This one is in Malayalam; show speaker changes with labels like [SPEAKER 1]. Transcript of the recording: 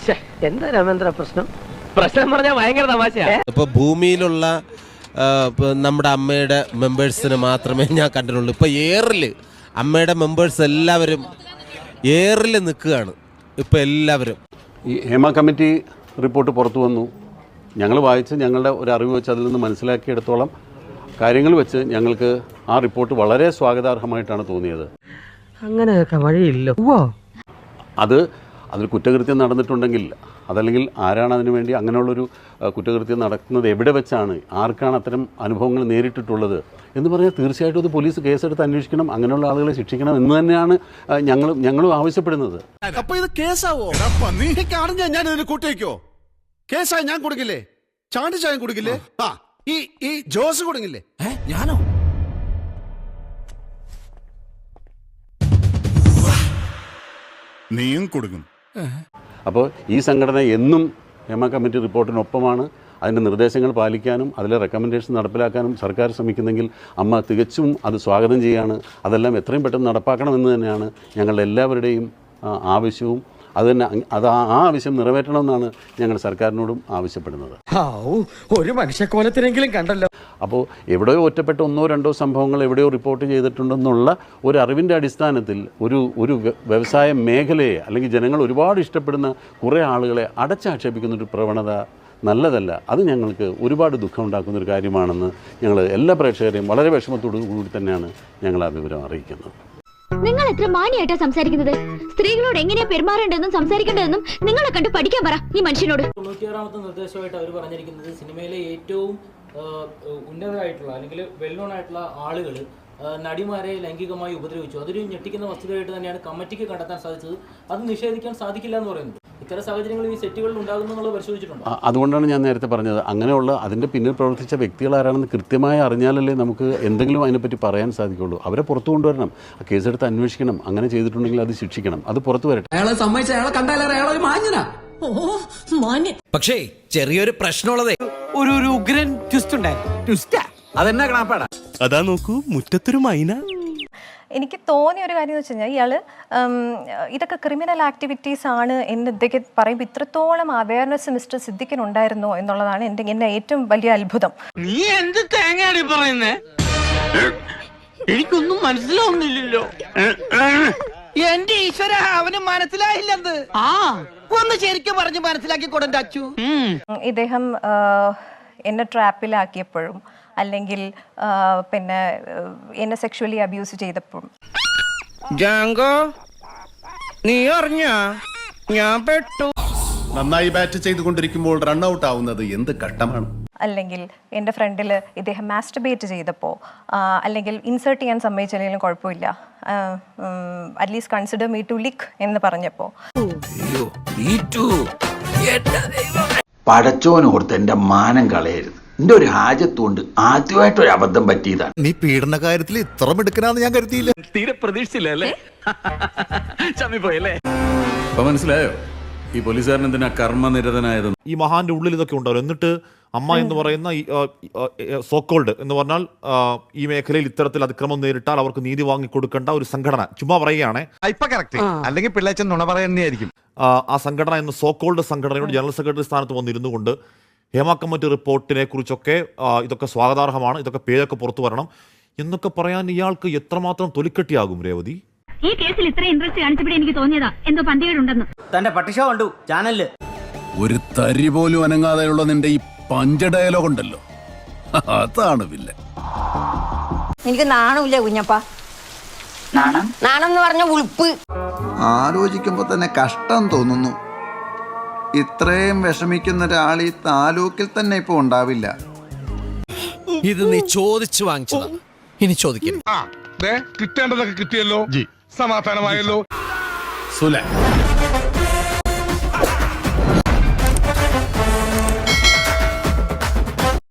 [SPEAKER 1] എന്താ രാമേന്ദ്ര പ്രശ്നം പറഞ്ഞാൽ ഭയങ്കര തമാശയാ.
[SPEAKER 2] ഇപ്പൊ ഭൂമിയിലുള്ള നമ്മുടെ അമ്മയുടെ മെമ്പേഴ്സിന് മാത്രമേ ഞാൻ കണ്ടിട്ടുള്ളൂ. ഇപ്പൊ ഏറില് അമ്മയുടെ മെമ്പേഴ്സ് എല്ലാവരും ഏറിൽ നിൽക്കുകയാണ്. ഇപ്പൊ എല്ലാവരും
[SPEAKER 3] ഈ ഹേമ കമ്മിറ്റി റിപ്പോർട്ട് പുറത്തു വന്നു. ഞങ്ങൾ വായിച്ച് ഞങ്ങളുടെ ഒരു അറിവ് വെച്ച് അതിൽ നിന്ന് മനസ്സിലാക്കിയെടുത്തോളം കാര്യങ്ങൾ വെച്ച് ഞങ്ങൾക്ക് ആ റിപ്പോർട്ട് വളരെ സ്വാഗതാർഹമായിട്ടാണ് തോന്നിയത്.
[SPEAKER 1] അങ്ങനെയൊക്കെ വഴിയില്ലോ.
[SPEAKER 3] അതിൽ കുറ്റകൃത്യം നടന്നിട്ടുണ്ടെങ്കിൽ അതല്ലെങ്കിൽ ആരാണ് അതിനു വേണ്ടി അങ്ങനെയുള്ളൊരു കുറ്റകൃത്യം നടക്കുന്നത്, എവിടെ വെച്ചാണ്, ആർക്കാണ് അത്തരം അനുഭവങ്ങൾ നേരിട്ടിട്ടുള്ളത് എന്ന് പറഞ്ഞാൽ തീർച്ചയായിട്ടും അത് പോലീസ് കേസെടുത്ത് അന്വേഷിക്കണം, അങ്ങനെയുള്ള ആളുകളെ ശിക്ഷിക്കണം എന്ന് തന്നെയാണ് ഞങ്ങളും ആവശ്യപ്പെടുന്നത്.
[SPEAKER 4] അപ്പോൾ ഇത് കേസാവോ? ഞാൻ ഇതിന് കൂട്ടിവെക്കോ? കേസായി ഞാൻ കൊടുക്കില്ലേ? ചാണ്ടിച്ചായം കൊടുക്കില്ലേ? ഈ ജോസ് കൊടുക്കില്ലേ? ഞാനോ? നീയും കൊടുക്കും.
[SPEAKER 3] അപ്പോൾ ഈ സംഘടന എന്നും ഹേമ കമ്മിറ്റി റിപ്പോർട്ടിനൊപ്പമാണ്. അതിൻ്റെ നിർദ്ദേശങ്ങൾ പാലിക്കാനും അതിലെ റെക്കമെൻഡേഷൻ നടപ്പിലാക്കാനും സർക്കാർ ശ്രമിക്കുന്നെങ്കിൽ അമ്മ തികച്ചും അത് സ്വാഗതം ചെയ്യാണ്. അതെല്ലാം എത്രയും പെട്ടെന്ന് നടപ്പാക്കണമെന്ന് തന്നെയാണ് ഞങ്ങളുടെ എല്ലാവരുടെയും ആവശ്യവും. അത് ആ ആവശ്യം നിറവേറ്റണമെന്നാണ് ഞങ്ങൾ സർക്കാരിനോടും ആവശ്യപ്പെടുന്നത്.
[SPEAKER 1] ഒരു മനുഷ്യക്കോലത്തിനെങ്കിലും കണ്ടല്ലോ.
[SPEAKER 3] അപ്പോൾ എവിടെയോ ഒറ്റപ്പെട്ട 1-2 സംഭവങ്ങൾ എവിടെയോ റിപ്പോർട്ട് ചെയ്തിട്ടുണ്ടെന്നുള്ള ഒരു അറിവിൻ്റെ അടിസ്ഥാനത്തിൽ ഒരു വ്യവസായ മേഖലയെ അല്ലെങ്കിൽ ജനങ്ങൾ ഒരുപാട് ഇഷ്ടപ്പെടുന്ന കുറേ ആളുകളെ അടച്ചാക്ഷേപിക്കുന്നൊരു പ്രവണത നല്ലതല്ല. അത് ഞങ്ങൾക്ക് ഒരുപാട് ദുഃഖമുണ്ടാക്കുന്നൊരു കാര്യമാണെന്ന് ഞങ്ങൾ എല്ലാ പ്രേക്ഷകരെയും വളരെ വിഷമത്തോടു കൂടി തന്നെയാണ് ഞങ്ങൾ ആ വിവരം അറിയിക്കുന്നത്.
[SPEAKER 5] നിങ്ങൾ എത്ര മാന്യമായിട്ടാ സംസാരിക്കുന്നത്? സ്ത്രീകളോട് എങ്ങനെയാ പെരുമാറേണ്ടതെന്നും സംസാരിക്കേണ്ടതെന്നും നിങ്ങളെ കണ്ട് പഠിക്കാൻ പറ ഈ മനുഷ്യനോട്.
[SPEAKER 6] 96ാമത്തെ നിർദ്ദേശമായിട്ട് അവർ പറഞ്ഞിരിക്കുന്നത് സിനിമയിലെ ഏറ്റവും ഉന്നതരായിട്ടുള്ള അല്ലെങ്കിൽ വെൽ നോൺ ആയിട്ടുള്ള ആളുകൾ നടിമാരെ ലൈംഗികമായി ഉപദ്രവിച്ചു. അതൊരു ഞെട്ടിക്കുന്ന വസ്തുതയായിട്ട് തന്നെയാണ് കമ്മിറ്റിക്ക് കണ്ടെത്താൻ സാധിച്ചത്. അത് നിഷേധിക്കാൻ സാധിക്കില്ല എന്ന് പറയുന്നത്. ഇത്തരം സാഹചര്യങ്ങൾ ഈ സെറ്റുകളിൽ ഉണ്ടാകുന്നു എന്നുള്ളത് പരിശോധിച്ചിട്ടുണ്ട്.
[SPEAKER 3] അതുകൊണ്ടാണ് ഞാൻ നേരത്തെ പറഞ്ഞത്, അങ്ങനെയുള്ള അതിൻ്റെ പിന്നിൽ പ്രവർത്തിച്ച വ്യക്തികൾ ആരാണെന്ന് കൃത്യമായി അറിഞ്ഞാലല്ലേ നമുക്ക് എന്തെങ്കിലും അതിനെപ്പറ്റി പറയാൻ സാധിക്കുള്ളൂ. അവരെ പുറത്തു കൊണ്ടുവരണം, ആ കേസെടുത്ത് അന്വേഷിക്കണം. അങ്ങനെ ചെയ്തിട്ടുണ്ടെങ്കിൽ അത് ശിക്ഷിക്കണം, അത് പുറത്തു വരട്ടെ.
[SPEAKER 7] പക്ഷേ ചെറിയൊരു പ്രശ്നമുള്ളതേ,
[SPEAKER 1] ഒരു ഉഗ്രൻ ട്വിസ്റ്റ് ഉണ്ടായിരുന്നു.
[SPEAKER 7] അതെന്നാ കണാപ്പാടാ?
[SPEAKER 8] അതാ നോക്കൂ, മുറ്റത്തൊരു മൈന.
[SPEAKER 9] എനിക്ക് തോന്നിയ ഒരു കാര്യം എന്ന് വെച്ച് കഴിഞ്ഞാൽ ഇയാൾ ഇതൊക്കെ ക്രിമിനൽ ആക്ടിവിറ്റീസ് ആണ് എന്ന് ഇതൊക്കെ പറയുമ്പോൾ ഇത്രത്തോളം അവയർനെസ് മിസ്റ്റർ സിദ്ദിഖിനുണ്ടായിരുന്നോ എന്നുള്ളതാണ് എന്നെ ഏറ്റവും വലിയ അത്ഭുതം.
[SPEAKER 1] നീ എന്ത് തേങ്ങയാണ് പറയുന്നേ? എനിക്കൊന്നും മനസ്സിലാവുന്നില്ലല്ലോ. എന്റെ ഈശ്വര, അവന് മനസ്സിലായില്ലെന്ന്. ഒന്ന് ശരിക്കും പറഞ്ഞ് മനസ്സിലാക്കി കൊടുണ്ട അച്ചു.
[SPEAKER 9] ഇദ്ദേഹം എന്നെ ട്രാപ്പിലാക്കിയപ്പോഴും അല്ലെങ്കിൽ പിന്നെ എന്നെ സെക്ഷുവലി അബ്യൂസ് ചെയ്തപ്പോഴും
[SPEAKER 1] ജാങ്കോ നീ അറിഞ്ഞ ഞാൻ പെട്ടു.
[SPEAKER 4] നന്നായി ബാറ്റ് ചെയ്തുകൊണ്ടിരിക്കുമ്പോൾ റൺ ഔട്ട് ആവുന്നത് എന്ത് ഘട്ടമാണ്?
[SPEAKER 9] അല്ലെങ്കിൽ എൻ്റെ ഫ്രണ്ടിൽ ഇദ്ദേഹം മാസ്റ്റർബേറ്റ് ചെയ്തപ്പോൾ അല്ലെങ്കിൽ ഇൻസേർട്ട് ചെയ്യാൻ സമ്മതിച്ചില്ലെങ്കിലും കുഴപ്പമില്ല, at least consider me to like എന്ന് പറഞ്ഞപ്പോൾ
[SPEAKER 10] പടച്ചോനോർത്ത് എൻ്റെ മാനം കളയരുത്. എന്റെ ഒരു ഹാജത്തുകൊണ്ട് ആദ്യമായിട്ടൊരു അബദ്ധം പറ്റിയതാണ്.
[SPEAKER 4] നീ പീഡന കാര്യത്തിൽ ഇത്ര മിടുക്കനാന്ന് ഞാൻ കരുതിയില്ല.
[SPEAKER 7] തീരെ പ്രതീക്ഷിച്ചില്ലേ?
[SPEAKER 3] മനസ്സിലായോ ഈ പോലീസുകാരൻ എന്തിനാ കർമ്മനിരതനായത്?
[SPEAKER 11] ഈ മഹാന്റെ ഉള്ളിൽ ഇതൊക്കെ ഉണ്ടാവും. എന്നിട്ട് അമ്മ എന്ന് പറയുന്ന സോക്കോൾഡ് എന്ന് പറഞ്ഞാൽ ഈ മേഖലയിൽ ഇത്തരത്തിൽ അതിക്രമം നേരിട്ടാൽ അവർക്ക് നീതി വാങ്ങിക്കൊടുക്കേണ്ട ഒരു സംഘടന, ചുമ്മാ പറയുകയാണെ,
[SPEAKER 4] അല്ലെങ്കിൽ പിള്ളേച്ചൻ നുണ പറയുന്നതായിരിക്കും.
[SPEAKER 11] ആ സംഘടന എന്ന സോക്കോൾഡ് സംഘടനയുടെ ജനറൽ സെക്രട്ടറി സ്ഥാനത്ത് വന്നിരുന്നു കൊണ്ട് ഹേമ കമ്മിറ്റി റിപ്പോർട്ടിനെ കുറിച്ചൊക്കെ ഇതൊക്കെ സ്വാഗതാർഹമാണ്, ഇതൊക്കെ പേരൊക്കെ പുറത്തു വരണം എന്നൊക്കെ പറയാൻ ഇയാൾക്ക് എത്രമാത്രം തൊലിക്കെട്ടിയാകും രേവതി?
[SPEAKER 5] ഈ കേസിൽ ഇത്ര ഇൻട്രസ്റ്റ് കാണിച്ചപ്പോൾ എനിക്ക് തോന്നിയതാ എന്തോ പന്തികേടുണ്ടെന്ന്.
[SPEAKER 7] തന്റെ പട്ടിഷോ കണ്ടു ചാനലില്.
[SPEAKER 4] ഒരു തരി പോലും അനങ്ങാതെയുള്ള നിന്റെ ഈ പഞ്ച ഡയലോഗ് ഉണ്ടല്ലോ, അതാണ് വില്ല.
[SPEAKER 5] എനിക്ക് നാണമില്ല കുഞ്ഞപ്പ. നാണം എന്ന് പറഞ്ഞ ഉൾപ്പ്.
[SPEAKER 10] ആലോചിക്കുമ്പോ തന്നെ കഷ്ടം തോന്നുന്നു. ഇത്രയും വിഷമിക്കുന്ന ഒരാൾ ഈ താലൂക്കിൽ തന്നെ ഇപ്പൊ ഉണ്ടാവില്ല.
[SPEAKER 7] ഇത് നീ ചോദിച്ചു വാങ്ങിച്ചതാ, ഇനി ചോദിക്കരുത്.
[SPEAKER 4] കിട്ടേണ്ടതൊക്കെ കിട്ടിയല്ലോ, സമാധാനമായല്ലോ. സുല